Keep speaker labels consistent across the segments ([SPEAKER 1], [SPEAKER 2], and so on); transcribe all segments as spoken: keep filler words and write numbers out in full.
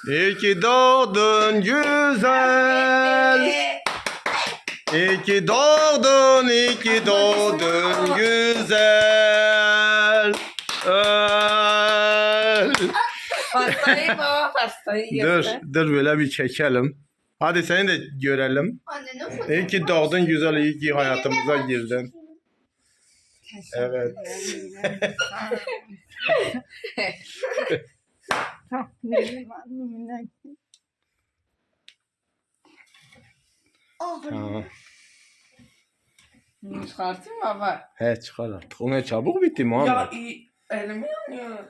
[SPEAKER 1] İyi ki doğdun güzel. İyi ki doğdun, iyi ki doğdun güzel. Öl.
[SPEAKER 2] Pastayı baba pastayı
[SPEAKER 1] Dur,
[SPEAKER 2] göster.
[SPEAKER 1] dur böyle bir çekelim. Hadi seni de görelim.
[SPEAKER 3] Anne ne fotoğrafı?
[SPEAKER 1] İyi ki doğdun güzel, iyi ki hayatımıza girdin. Evet.
[SPEAKER 3] Ah,
[SPEAKER 1] Tamam.
[SPEAKER 2] Çıkartayım baba.
[SPEAKER 1] He çıkar artık. O ne çabuk bitti
[SPEAKER 2] Ya
[SPEAKER 1] Muhammed.
[SPEAKER 2] iyi. Elimi yanıyor.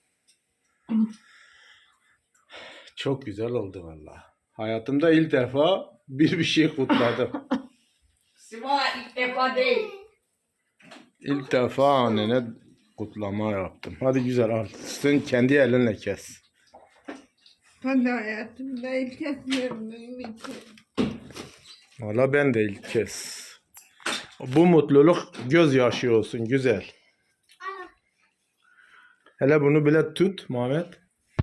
[SPEAKER 1] Çok güzel oldu valla. Hayatımda ilk defa bir bir şey kutladım.
[SPEAKER 2] Siva ilk defa değil.
[SPEAKER 1] İlk defa annene kutlama yaptım. Hadi güzel al. Sen kendi elinle kes.
[SPEAKER 4] Ben de hayatımda ilk kez gördüğüm için.
[SPEAKER 1] Valla ben de ilk kez. Bu mutluluk gözyaşı olsun güzel. Hele bunu bile tut Muhammed.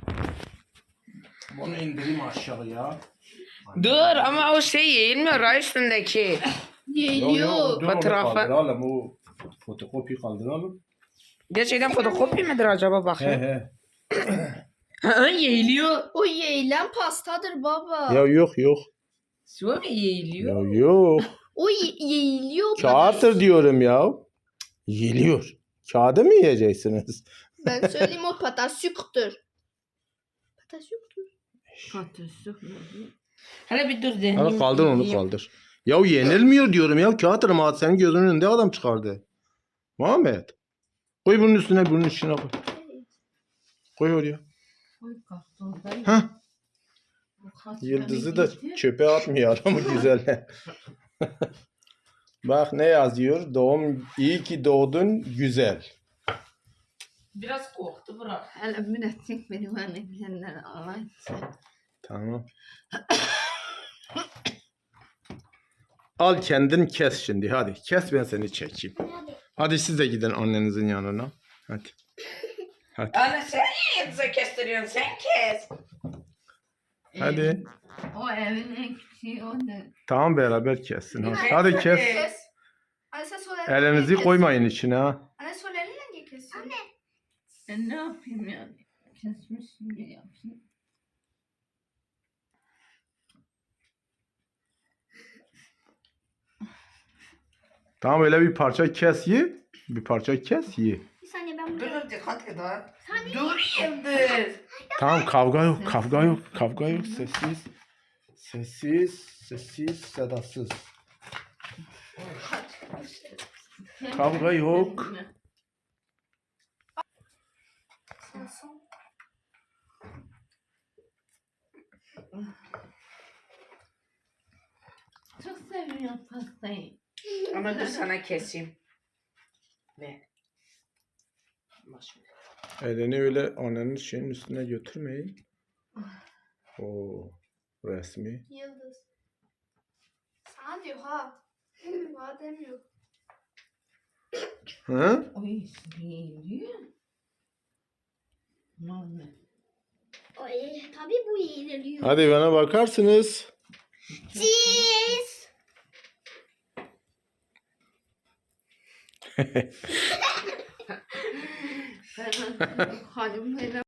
[SPEAKER 1] Bunu indireyim aşağıya.
[SPEAKER 2] Dur ama o şey yayılmıyor ha üstündeki.
[SPEAKER 3] Geliyor.
[SPEAKER 2] Fotoğrafı.
[SPEAKER 1] Kaldıralım o fotokopi kaldıralım.
[SPEAKER 2] Gerçekten fotokopi midir acaba
[SPEAKER 1] He
[SPEAKER 2] bakayım?
[SPEAKER 1] he.
[SPEAKER 2] Ha yayılıyor.
[SPEAKER 3] O yeğilen pastadır baba.
[SPEAKER 1] Ya yok yok.
[SPEAKER 2] Siva mı yayılıyor?
[SPEAKER 1] Ya yok.
[SPEAKER 3] O ye- yeğiliyor.
[SPEAKER 1] Kağıttır diyorum ya. Yiyiliyor. Kağıdı mı yiyeceksiniz?
[SPEAKER 3] Ben söyleyeyim o patasyuktur. Patasyuktur.
[SPEAKER 2] Hele bir dur deneyim.
[SPEAKER 1] Hadi kaldır onu
[SPEAKER 2] yiyeyim.
[SPEAKER 1] kaldır. Ya yenilmiyor diyorum ya. Kağıttır mı? Senin gözünün önünde adam çıkardı. Muhammed. Koy bunun üstüne bunun üstüne koy. Koy oraya. Hah. Yıldızı da çöpe atmıyor ama güzel. Bak ne yazıyor? Doğum iyi ki doğdun güzel.
[SPEAKER 2] Biraz korktu bırak.
[SPEAKER 4] Hele münetik beni bana bilenler alayım.
[SPEAKER 1] Tamam. Al kendin kes şimdi hadi. Kes ben seni çekeyim. Hadi siz de gidin annenizin yanına. Hadi. Hadi.
[SPEAKER 2] Anne sen niye yıldızı kestiriyorsun? Sen kes.
[SPEAKER 1] Hadi.
[SPEAKER 4] O evin en küçüğü o da.
[SPEAKER 1] Tamam beraber kessin. Hadi, hadi kes.
[SPEAKER 3] Kes. Anne sen sol elinle
[SPEAKER 1] Elinizi
[SPEAKER 3] kes.
[SPEAKER 1] koymayın içine ha.
[SPEAKER 3] Anne sol elinle niye kesiyorsun? Anne.
[SPEAKER 4] Ben ne yapayım yani? Kesmişim ya yapayım.
[SPEAKER 1] Tamam öyle bir parça kes ye. Bir parça kes ye.
[SPEAKER 3] Bir saniye ben
[SPEAKER 2] Dur
[SPEAKER 3] buraya.
[SPEAKER 2] dur dikkat et ha. Dur yıldız.
[SPEAKER 1] Tamam kavga yok, kavga yok, kavga yok. Sessiz, sessiz, sessiz, sedasız. Kavga yok.
[SPEAKER 4] Çok seviyorum pastayı.
[SPEAKER 2] Ama dur sana keseyim. Ne? Maşallah.
[SPEAKER 1] Elini öyle annenin şeyin üstüne götürmeyin. O resmi.
[SPEAKER 3] Yıldız. Sana diyor ha. Bana demiyor.
[SPEAKER 1] Hı?
[SPEAKER 4] Oy geliyor. Muhammed.
[SPEAKER 3] Ay, tabii bu yeğiliyor.
[SPEAKER 1] Hadi bana bakarsınız.
[SPEAKER 3] Cheese.
[SPEAKER 4] Ben halim